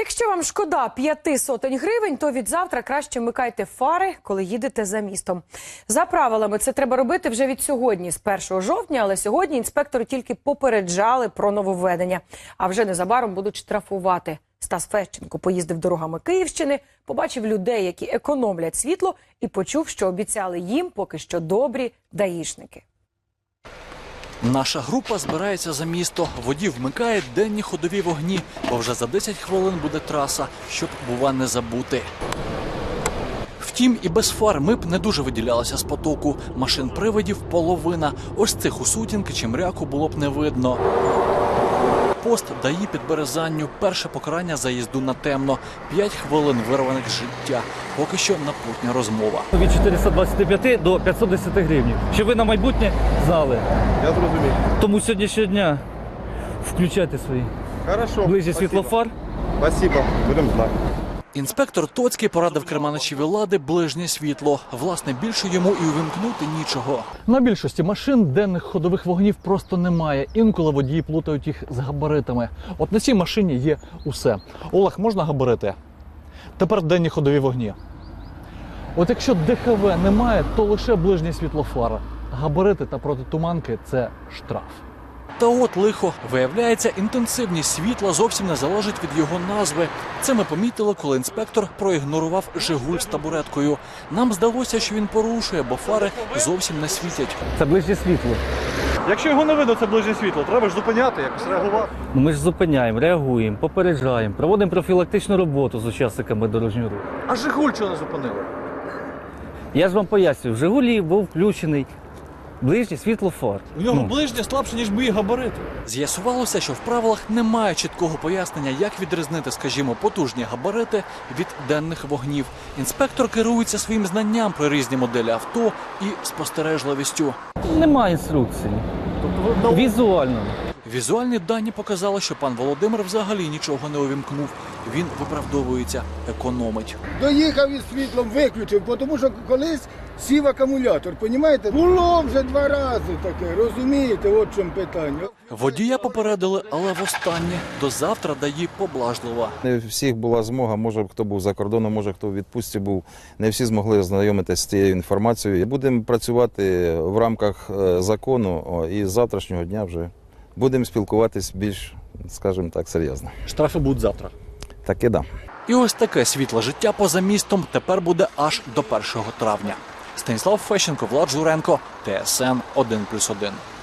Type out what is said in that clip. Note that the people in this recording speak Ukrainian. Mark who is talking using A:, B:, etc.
A: Якщо вам шкода 500 гривень, то від завтра краще вмикайте фари, коли їдете за містом. За правилами це треба робити вже від сьогодні, з 1 жовтня, але сьогодні інспектори тільки попереджали про нововведення. А вже незабаром будуть штрафувати. Стас Фещенко поїздив дорогами Київщини, побачив людей, які економлять світло, і почув, що обіцяли їм поки що добрі даїшники.
B: Наша група збирається за місто. Водій вмикає денні ходові вогні, бо вже за 10 хвилин буде траса, щоб, бува, не забути. Втім, і без фар ми б не дуже виділялися з потоку. Машин-привидів половина. Ось цих у сутінки чи мряку було б не видно. Пост ДАІ під Березанню. Перше покарання за їзду на темно. 5 хвилин вирваних з життя. Поки що напутня розмова.
C: Від 425 до 510 гривень. Щоб ви на майбутнє знали.
D: Я зрозумів.
C: Тому сьогоднішнього дня включайте свої ближні світлофар.
D: Спасибо, будемо знати.
B: Інспектор Тоцький порадив керманичеві «Лади» ближнє світло. Власне, більше йому і увімкнути нічого. На більшості машин денних ходових вогнів просто немає. Інколи водії плутають їх з габаритами. От на цій машині є усе. Олег, можна габарити? Тепер денні ходові вогні. От якщо ДХВ немає, то лише ближнє світлофар. Габарити та протитуманки – це штраф. Та от лихо. Виявляється, інтенсивність світла зовсім не залежить від його назви. Це ми помітили, коли інспектор проігнорував «Жигуль» з табуреткою. Нам здалося, що він порушує, бо фари зовсім не світять.
C: Це ближнє світло.
D: Якщо його не видно, це ближнє світло, треба ж зупиняти, якось реагувати.
C: Ми ж зупиняємо, реагуємо, попереджаємо, проводимо профілактичну роботу з учасниками дорожнього руху.
D: А «Жигуль» чого не зупинили?
C: Я ж вам пояснюю, в «Жигулі» був включений ближній світлофар.
B: У нього ближнє слабше, ніж мої габарити. З'ясувалося, що в правилах немає чіткого пояснення, як відрізнити, скажімо, потужні габарити від денних вогнів. Інспектор керується своїм знанням про різні моделі авто і спостережливістю.
C: Немає інструкції. Візуально.
B: Візуальні дані показали, що пан Володимир взагалі нічого не увімкнув. Він виправдовується, економить.
E: Доїхав із світлом, виключив, тому що колись сів акумулятор, розумієте? Було вже 2 рази таке, розумієте, от в чому питання.
B: Водія попередили, але востаннє. До завтра ДАІ поблажливо.
F: Не у всіх була змога, може хто був за кордоном, може хто у відпустці був. Не всі змогли ознайомитися з цією інформацією. Будемо працювати в рамках закону і з завтрашнього дня вже будемо спілкуватись більш, скажімо так, серйозно.
B: Штрафи будуть завтра.
F: Таки да.
B: І ось таке світле життя поза містом тепер буде аж до 1 травня. Станіслав Фещенко, Влад Журенко, ТСН 1+1.